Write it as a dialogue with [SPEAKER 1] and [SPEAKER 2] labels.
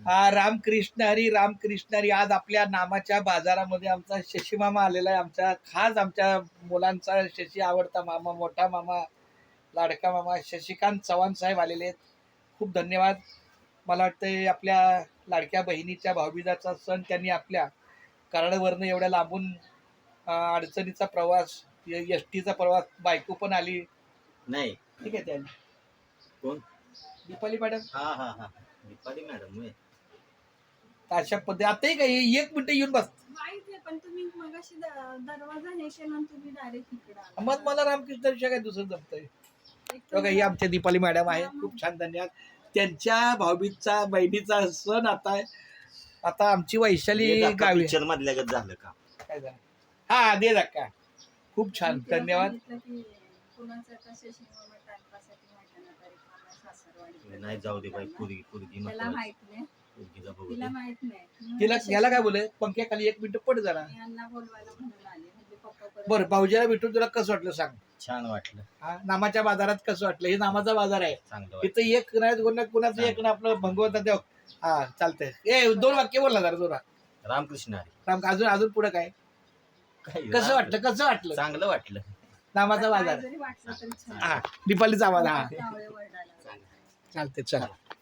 [SPEAKER 1] रामकृष्ण हरी. आज आपल्या नामाच्या बाजारामध्ये आमचा शशी मामा आलेला आहे. आमच्या खास आमच्या मुलांचा शशी आवडता मामा, मोठा मामा, लाडका मामा शशिकांत चव्हाण साहेब आलेले आहेत. खूप धन्यवाद. मला वाटतं आपल्या लाडक्या बहिणीच्या भाऊबीजाचा सण त्यांनी आपल्या कराडवरनं एवढ्या लांबून अडचणीचा प्रवास, एसटीचा प्रवास, बायको पण आली
[SPEAKER 2] नाही.
[SPEAKER 1] ठीक आहे. त्यांनी
[SPEAKER 2] कोण?
[SPEAKER 1] दीपाली मॅडम.
[SPEAKER 2] हा दीपाली मॅडम.
[SPEAKER 1] अशा पद्धती आताही काही 1 मिनिट येऊन बस.
[SPEAKER 3] माहिती आहे, पण तुम्ही मगाशी दरवाजा हे केला आणि तुम्ही डायरेक्ट इकडे आला.
[SPEAKER 1] मग मला रामकृष्ण विषय काय दुसरं जमतंय. बघा ही आमच्या दीपाली मॅडम आहे. खूप छान. धन्यवाद. त्यांच्या भाऊबीजचा बहिणीचा सण आता आमची वैशाली गावी
[SPEAKER 2] पिक्चर मधल्या गत झालं का?
[SPEAKER 1] काय झालं. हा दे धक्का. खूप छान. धन्यवाद.
[SPEAKER 2] नाही जाऊ दे बाई. पोरगी
[SPEAKER 3] त्याला माहित नाही,
[SPEAKER 2] पोरगीला बघू
[SPEAKER 3] तिला
[SPEAKER 2] दे.
[SPEAKER 3] माहित नाही.
[SPEAKER 1] तिला याला काय बोलले पंख्याखाली 1 मिनिट पड जरा.
[SPEAKER 3] यांना बोलवायला म्हणून आले, म्हणजे पप्पा परत
[SPEAKER 1] बरं भाऊजीला भेटून तुला कसं वाटलं सांग.
[SPEAKER 2] छान वाटलं.
[SPEAKER 1] नामाच्या बाजारात कसं वाटलं. हे नामाचा बाजार आहे.
[SPEAKER 2] चांगलं वाटलं.
[SPEAKER 1] इथं एक नाही कुणाचं एक ना आपलं भगवंता देव. हा चालतंय. 2 वाक्य बोलला जरा जोरा.
[SPEAKER 2] रामकृष्ण हरी.
[SPEAKER 1] राम. अजून पुढे काय कसं वाटलं.
[SPEAKER 2] चांगलं वाटलं.
[SPEAKER 1] नामाचा बाजार.
[SPEAKER 3] जरी वाटलं तरी छान.
[SPEAKER 1] हा दीपालीचा आवाज. हा
[SPEAKER 3] कावळे वरडायला.
[SPEAKER 1] चालते. चला.